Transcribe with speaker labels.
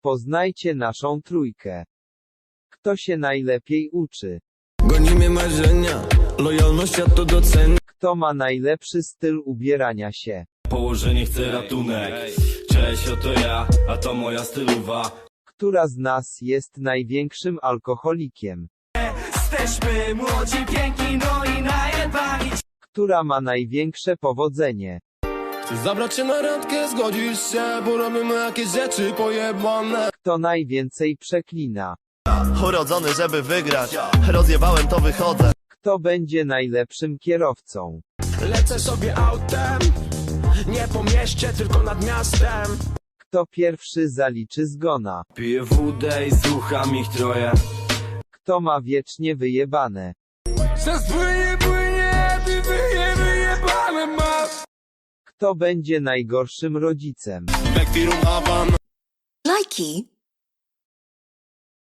Speaker 1: Poznajcie naszą trójkę. Kto się najlepiej uczy?
Speaker 2: Gonimy marzenia, lojalność ja to docenię.
Speaker 1: Kto ma najlepszy styl ubierania się?
Speaker 3: Położenie chce ratunek. Cześć, oto ja, a to moja stylowa.
Speaker 1: Która z nas jest największym alkoholikiem?
Speaker 4: Jesteśmy młodzi, piękni, no i najebani.
Speaker 1: Która ma największe powodzenie?
Speaker 2: Chcę zabrać cię na randkę, zgodzisz się, bo robimy jakieś rzeczy pojebane.
Speaker 1: Kto najwięcej przeklina?
Speaker 5: Urodzony, żeby wygrać. Rozjebałem, to wychodzę.
Speaker 1: Kto będzie najlepszym kierowcą?
Speaker 6: Lecę sobie autem, nie po mieście, tylko nad miastem.
Speaker 1: Kto pierwszy zaliczy zgona?
Speaker 3: Piję wódę i słucham ich troje.
Speaker 1: Kto ma wiecznie wyjebane?
Speaker 6: Wyjebane masz.
Speaker 1: Kto będzie najgorszym rodzicem?
Speaker 2: Backfirum Avan.
Speaker 7: Lajki.